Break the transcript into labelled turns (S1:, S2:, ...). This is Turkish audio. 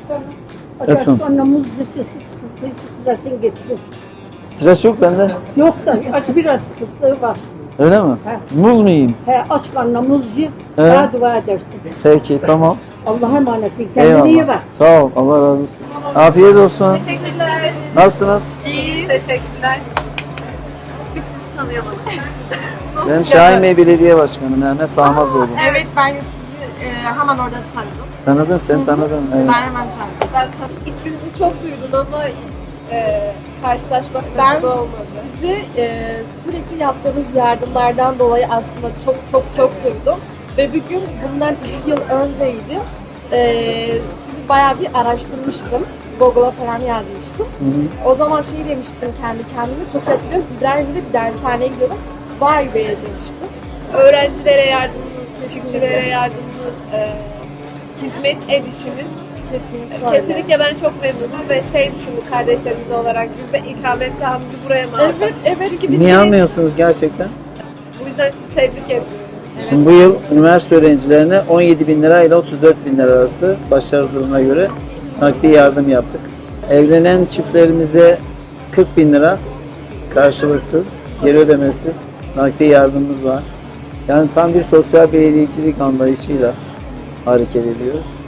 S1: Efendim?
S2: Başkanla muz yesin, stresin geçsin.
S1: Stres yok bende.
S2: Yok da aç biraz sıkıntısı var.
S1: Öyle mi?
S2: He.
S1: Muz mu yiyeyim?
S2: Aç karnına muz ye,
S1: He.
S2: daha dua edersin.
S1: Peki tamam.
S2: Allah'a emanet ol. Kendine iyi
S1: Eyvallah.
S2: bak.
S1: Sağ ol. Allah razı olsun. Afiyet olsun.
S3: Teşekkürler.
S1: Nasılsınız?
S3: İyi. Teşekkürler. Biz sizi tanıyalım.
S1: Ben Şahin Bey Belediye Başkanı Mehmet Ahmazoğlu.
S3: Evet, ben sizi hemen orada tanıdım.
S1: Tanıdın, sen tanıdın. Evet.
S3: Ben hemen tanıdım.
S4: Ben isminizi çok duydum ama hiç karşılaşmak
S3: Ben
S4: nasip olmadı.
S3: sizi sürekli yaptığınız yardımlardan dolayı aslında çok duydum. Ve bir gün bundan 2 yıl önceydi. Sizi bayağı bir araştırmıştım. Google'a falan yazmıştım.
S1: Hı hı.
S3: O zaman şey demiştim kendi kendime, çok hatırlıyorum. İbrahim'de bir dershaneye gidiyordum. Vay be demiştim.
S4: Öğrencilere yardımınız, teşvikçilere yardımınız, hizmet edişiniz.
S3: Kesinlikle.
S4: Kesinlikle ben çok memnunum ve düşündük kardeşlerimiz olarak biz de ikametgahımızı buraya mı alsak?
S3: Evet.
S4: Çünkü biz
S1: Niye
S4: de-
S1: almıyorsunuz gerçekten?
S4: Bu yüzden sizi tebrik ediyorum.
S1: Şimdi bu yıl üniversite öğrencilerine 17 bin lira ile 34 bin lira arası başarı durumuna göre nakdi yardım yaptık. Evlenen çiftlerimize 40 bin lira karşılıksız, geri ödemesiz nakdi yardımımız var. Yani tam bir sosyal belediyecilik anlayışıyla hareket ediyoruz.